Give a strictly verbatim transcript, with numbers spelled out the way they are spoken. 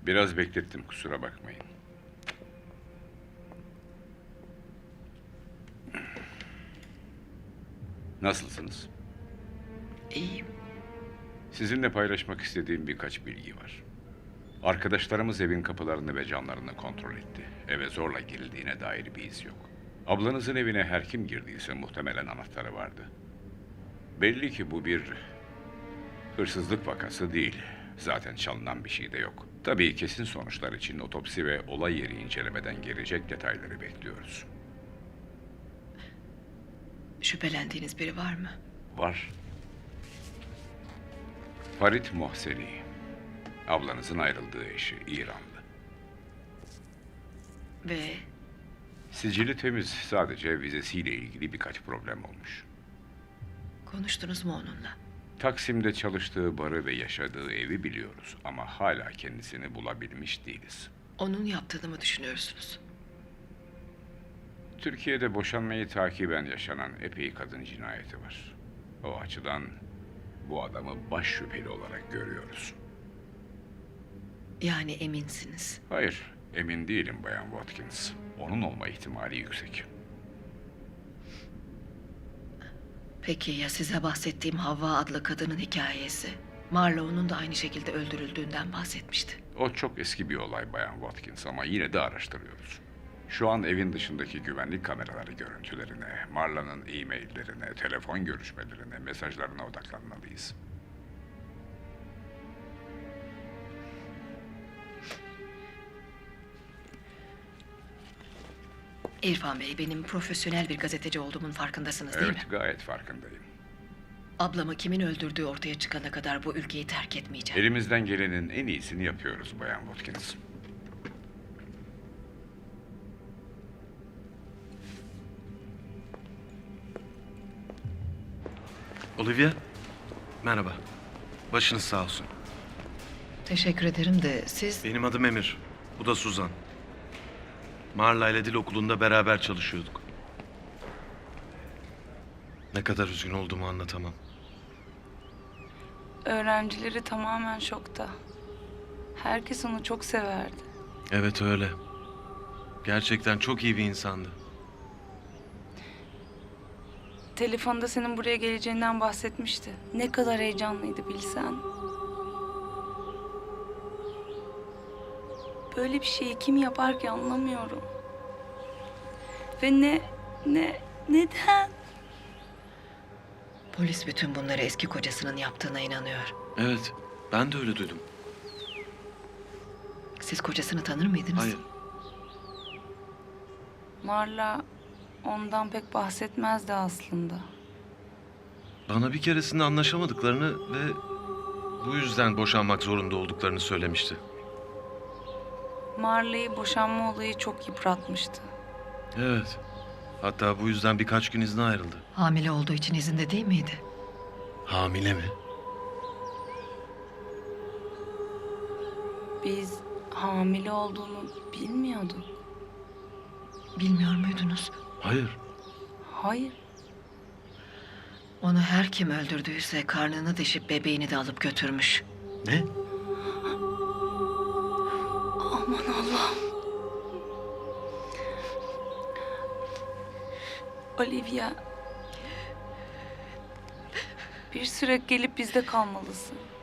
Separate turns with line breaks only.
Biraz beklettim, kusura bakmayın. Nasılsınız?
İyiyim.
Sizinle paylaşmak istediğim birkaç bilgi var. Arkadaşlarımız evin kapılarını ve camlarını kontrol etti. Eve zorla girildiğine dair bir iz yok. Ablanızın evine her kim girdiyse muhtemelen anahtarı vardı. Belli ki bu bir hırsızlık vakası değil. Zaten çalınan bir şey de yok. Tabii kesin sonuçlar için otopsi ve olay yeri incelemeden gelecek detayları bekliyoruz.
Şüphelendiğiniz biri var mı?
Var. Farit Mohseni. Ablanızın ayrıldığı eşi, İranlı.
Ve
Sicili temiz, sadece vizesiyle ilgili birkaç problem olmuş.
konuştunuz mu onunla?
Taksim'de çalıştığı barı ve yaşadığı evi biliyoruz ama hala kendisini bulabilmiş değiliz.
Onun yaptığını mı düşünüyorsunuz?
Türkiye'de boşanmayı takiben yaşanan epey kadın cinayeti var. O açıdan bu adamı baş şüpheli olarak görüyoruz.
Yani eminsiniz.
Hayır, emin değilim Bayan Watkins. Onun olma ihtimali yüksek.
Peki ya size bahsettiğim Havva adlı kadının hikayesi? Marlowe'nun da aynı şekilde öldürüldüğünden bahsetmişti.
O çok eski bir olay Bayan Watkins ama yine de araştırıyoruz. Şu an evin dışındaki güvenlik kameraları görüntülerine, Marla'nın e-maillerine, telefon görüşmelerine, mesajlarına odaklanmalıyız.
İrfan Bey, benim profesyonel bir gazeteci olduğumun farkındasınız değil mi?
Evet, gayet farkındayım.
Ablamı kimin öldürdüğü ortaya çıkana kadar bu ülkeyi terk etmeyeceğim.
Elimizden gelenin en iyisini yapıyoruz Bayan Watkins.
Olivia, merhaba. Başınız sağ olsun.
Teşekkür ederim de siz...
Benim adım Emir, bu da Suzan. Marla ile dil okulunda beraber çalışıyorduk. Ne kadar üzgün olduğumu anlatamam.
Öğrencileri tamamen şokta. Herkes onu çok severdi.
Evet öyle. Gerçekten çok iyi bir insandı.
Telefonda senin buraya geleceğinden bahsetmişti. Ne kadar heyecanlıydı bilsen. Böyle bir şeyi kim yapar ki anlamıyorum. Ve ne, ne, neden?
Polis bütün bunları eski kocasının yaptığına inanıyor.
Evet, ben de öyle duydum.
Siz kocasını tanır mıydınız?
Hayır,
Marla ondan pek bahsetmezdi aslında.
bana bir keresinde anlaşamadıklarını ve bu yüzden boşanmak zorunda olduklarını söylemişti.
Marla'yı boşanma olayı çok yıpratmıştı.
Evet, hatta bu yüzden birkaç gün izne ayrıldı.
Hamile olduğu için izinde değil miydi?
Hamile mi?
Biz hamile olduğunu bilmiyorduk.
Bilmiyor muydunuz?
Hayır.
Hayır.
Onu her kim öldürdüyse karnını deşip bebeğini de alıp götürmüş.
Ne?
Aman Allah'ım. Olivia. Bir süre gelip bizde kalmalısın.